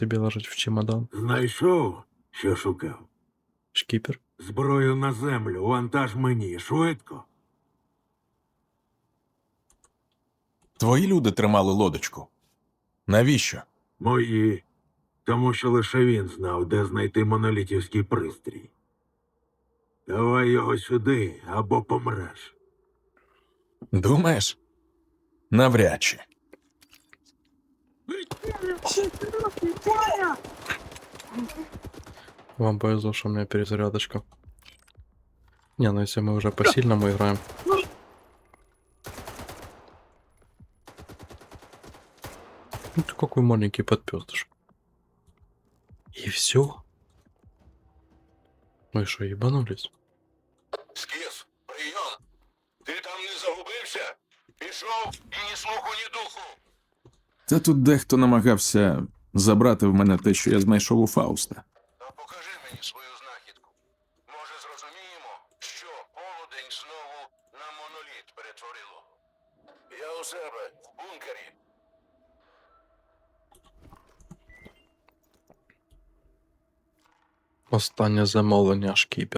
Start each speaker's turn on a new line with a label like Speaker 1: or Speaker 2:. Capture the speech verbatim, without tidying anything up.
Speaker 1: Тобі лежить в чемодан.
Speaker 2: Знайшов, що шукав.
Speaker 1: Шкіпер.
Speaker 2: Зброю на землю, вантаж мені, швидко.
Speaker 3: Твої люди тримали лодочку. Навіщо?
Speaker 2: Мої. Тому що лише він знав, де знайти монолітівський пристрій. Давай його сюди, або помреш.
Speaker 3: Думаєш? Навряд чи.
Speaker 1: Вам повезло, что у меня перезарядочка. Не, ну если мы уже по-сильному играем. Ну ты какой маленький подпёздыш. И все? Мы что, ебанулись?
Speaker 4: Скіф, прийом. Ти там не загубився? Пішов і ні слуху, ні духу.
Speaker 5: Та тут дехто намагався забрати в мене те, що я знайшов у Фауста.
Speaker 4: А покажи мені свою знахідку. Може, зрозуміємо, що полудень знову на моноліт перетворило. Я у себе в бункері.
Speaker 1: Останнє замовлення шкіпер.